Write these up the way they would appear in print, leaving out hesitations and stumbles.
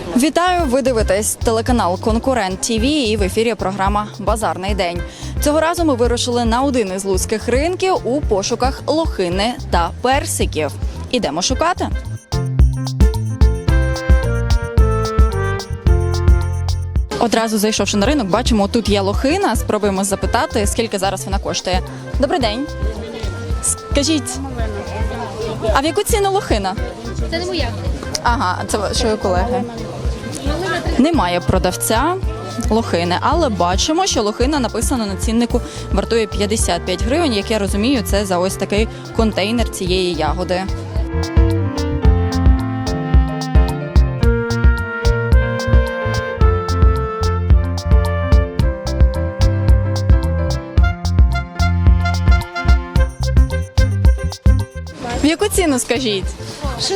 Вітаю! Ви дивитесь телеканал «Конкурент ТВ» і в ефірі програма «Базарний день». Цього разу ми вирушили на один із луцьких ринків у пошуках лохини та персиків. Ідемо шукати. Одразу зайшовши на ринок, бачимо, тут є лохина. Спробуємо запитати, скільки зараз вона коштує. Добрий день. Скажіть, а в яку ціну лохина? Це не моя. Ага, це вашої колеги. Немає продавця лохини, але бачимо, що лохина написано на ціннику вартує 55 гривень. Як я розумію, це за ось такий контейнер цієї ягоди. В яку ціну, скажіть? 60-70.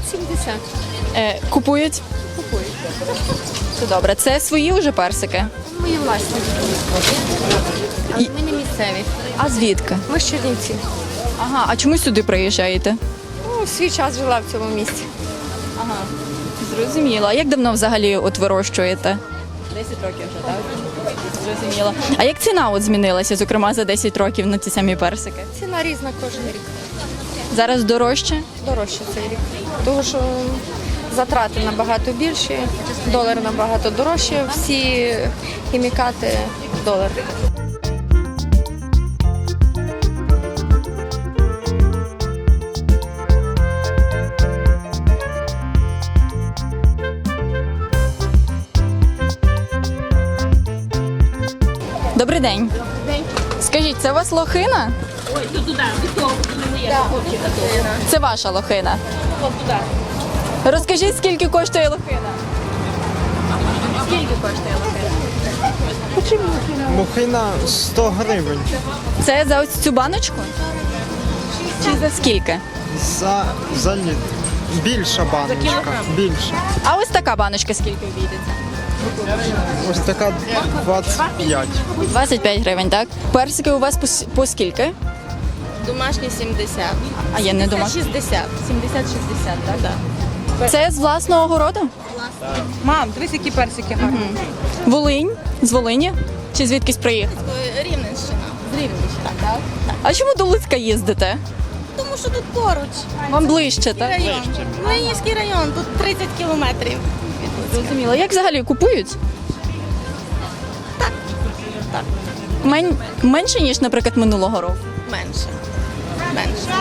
Купують? Купують. Це добре. Це свої вже персики? Мої власні. Але ми не місцеві. А звідки? Ми з Чернівців. Ага, а чому сюди приїжджаєте? Ну, свій час жила в цьому місті. Ага, зрозуміло. А як давно взагалі от вирощуєте? 10 років вже, так? Зрозуміло. А як ціна от змінилася, зокрема, за 10 років на ці самі персики? Ціна різна кожен рік. Зараз дорожче? Дорожче цей рік. Тому що затрати набагато більші, долар набагато дорожче, всі хімікати в долар. Добрий день. Скажіть, це у вас лохина? Це ваша лохина? Розкажіть, скільки коштує лохина? Скільки коштує лохина? Лохина 100 гривень. Це за ось цю баночку? Чи за скільки? За літр. Більша баночка. Більша. А ось така баночка скільки обійдеться? Ось така 25. 25 гривень, так? Персики у вас по скільки? Домашні 70. А є не дома. 60. 70-60, так? Так. Це з власного городу? Мам, дивись, які персики гарні. Волинь? З Волині? Чи звідкись приїхав? Рівненщина. З Рівненщини, так? А чому до Луцька їздите? Тому що тут поруч. Вам ближче, так? Район. Ленінський район, тут 30 кілометрів. Зрозуміло. Як взагалі купують? Так. Менше, ніж, наприклад, минулого року? Менше. Менше.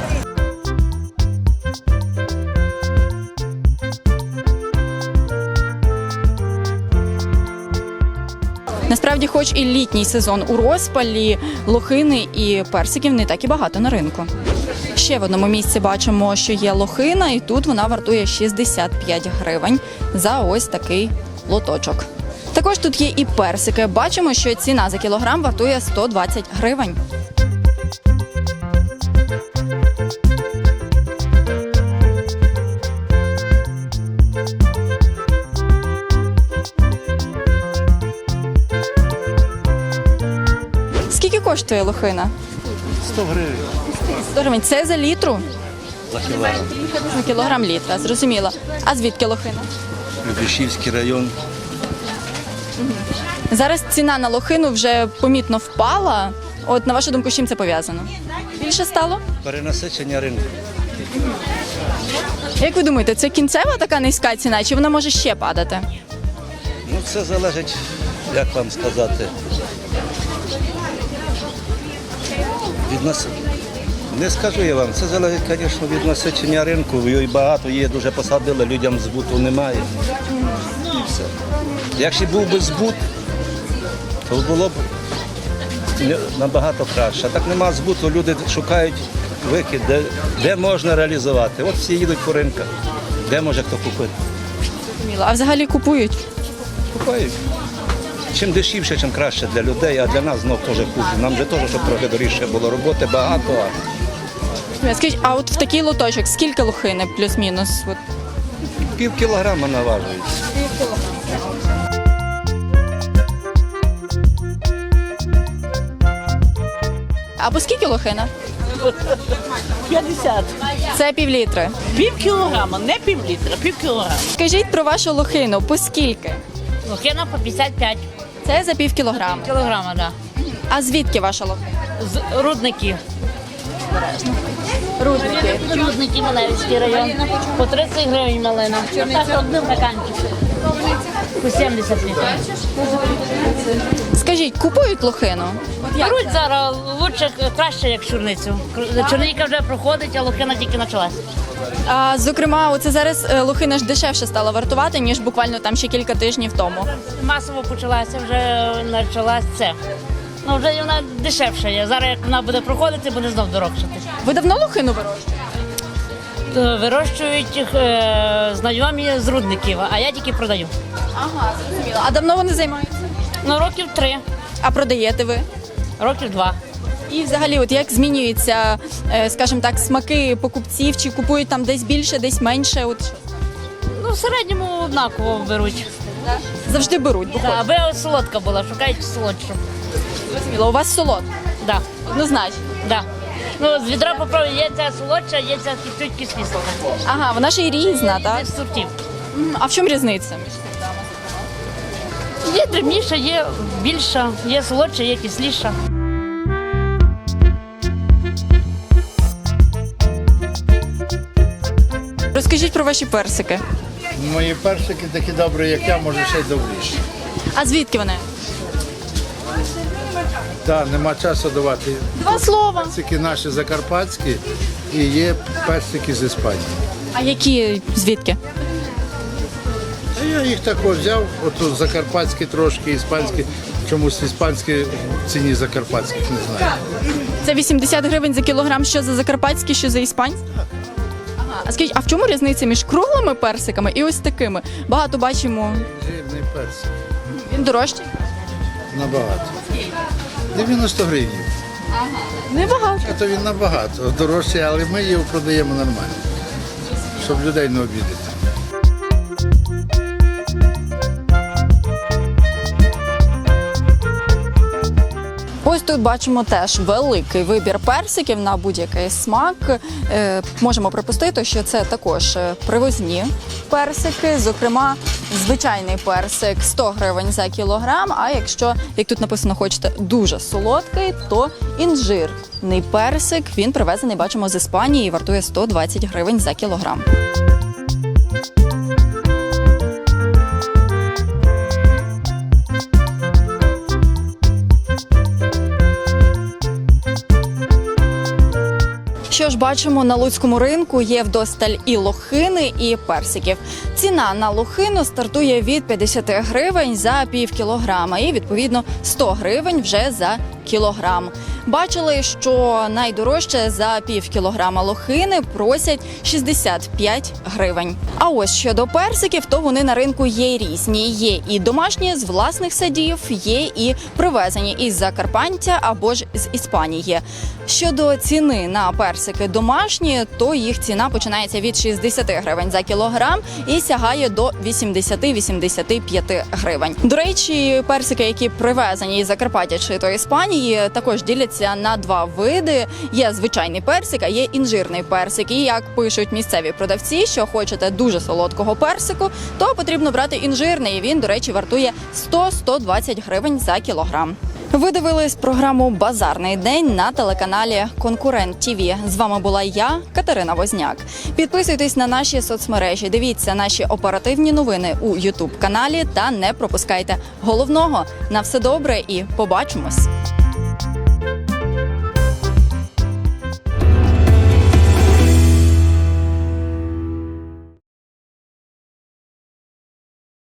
Насправді, хоч і літній сезон у розпалі, лохини і персиків не так і багато на ринку. Ще в одному місці бачимо, що є лохина, і тут вона вартує 65 гривень за ось такий лоточок. Також тут є і персики. Бачимо, що ціна за кілограм вартує 120 гривень. Скільки коштує лохина? 100 гривень 100 гривень. Це за літру? за кілограм. За кілограм літра, зрозуміло. А звідки лохина? Любішівський район. Зараз ціна на лохину вже помітно впала. От, на вашу думку, з чим це пов'язано? Більше стало? Перенасичення ринку. Як ви думаєте, це кінцева така низька ціна, чи вона може ще падати? Ну, це залежить, як вам сказати, від нас. Не скажу я вам, це залежить, звісно, від насичення ринку. Його багато є, дуже посадили, людям збуту немає. І все. Якщо був би збут, то було б набагато краще. А так нема збуту, люди шукають викид, де можна реалізувати. От всі їдуть по ринках, де може хто купити. Зрозуміло. А взагалі купують? Купають. Чим дешевше, чим краще для людей, а для нас знов теж хуже. Нам же теж, щоб трохи дорожче було. Роботи багато. Скажіть, а от в такий лоточок скільки лохини плюс-мінус? От. Пів кілограма наважують. А по скільки лохина? 50. Це півлітри. Пів кілограма, не пів літра, пів кілограма. Скажіть про вашу лохину, по скільки? Лохина по 55 Це за пів кілограма. кілограма, да. А звідки ваша лохина? З рудників. Рудники. Рудники, Малевський район. По 30 гривень малина. Так, одним стаканчик. По 70 літрів. Скажіть, купують лохину? Беруть зараз лучше, краще, як чорницю. Чорниця вже проходить, а лохина тільки почалась. А, зокрема, оце зараз лохина ж дешевше стала вартувати, ніж буквально там ще кілька тижнів тому. Масово почалася, вже почалась це. Ну, вже вона дешевша є. Зараз, як вона буде проходити, буде знов дорожчати. Ви давно лохину вирощуєте? Вирощують їх знайомі з рудників, а я тільки продаю. Ага, зрозуміло. А давно вони займаються? Ну, років 3, А продаєте ви? років 2. І взагалі, от як змінюються, скажімо так, смаки покупців? Чи купують там десь більше, десь менше? От що? Ну, в середньому однаково беруть. Завжди беруть, бо Да, аби солодка була, шукають солодшу. зрозуміло. У вас солод? Да, Однозначно. да. Ну, з відра попробуй, є ця солодша, є ця чуть кисліша. Ага, вона ж і різна, так? З сортів. А в чому різниця? Є дрібніша, є більша, є солодша, є кисліша. Розкажіть про ваші персики. Мої персики такі добрі, як я, може ще й добріші. А звідки вони? Так, нема часу давати. Два слова. Персики наші закарпатські і є персики з Іспанії. А які звідки? А я їх також взяв, отут закарпатські трошки, іспанські. Чомусь іспанські в ціні закарпатських не знаю. Це 80 гривень за кілограм, що за закарпатські, що за іспанські? Ага. А скажіть, а в чому різниця між круглими персиками і ось такими? Багато бачимо, Жирний персик. він дорожчий? Набагато. 90 гривень. Небагато. А то він набагато дорожчий, але ми його продаємо нормально, щоб людей не обідати. Ось тут бачимо теж великий вибір персиків на будь-який смак. Можемо припустити, що це також привозні персики. Зокрема, звичайний персик 100 гривень за кілограм. А якщо, як тут написано, хочете дуже солодкий, то інжирний персик. Він привезений, бачимо, з Іспанії і вартує 120 гривень за кілограм. Що ж, бачимо, на луцькому ринку є вдосталь і лохини, і персиків. Ціна на лохину стартує від 50 гривень за пів кілограма і, відповідно, 100 гривень вже за кілограм. Бачили, що найдорожче за пів кілограма лохини просять 65 гривень. А ось щодо персиків, то вони на ринку є різні. Є і домашні з власних садів, є і привезені із Закарпаття або ж з Іспанії. Щодо ціни на персики домашні, то їх ціна починається від 60 гривень за кілограм і сягає до 80-85 гривень. До речі, персики, які привезені із Закарпаття чи то Іспанії, також діляться на два види. Є звичайний персик, а є інжирний персик. І як пишуть місцеві продавці, що хочете дуже солодкого персику, то потрібно брати інжирний. Він, до речі, вартує 100-120 гривень за кілограм. Ви дивились програму «Базарний день» на телеканалі «Конкурент ТІВІ». З вами була я, Катерина Возняк. Підписуйтесь на наші соцмережі, дивіться наші оперативні новини у YouTube-каналі та не пропускайте головного. На все добре і побачимось!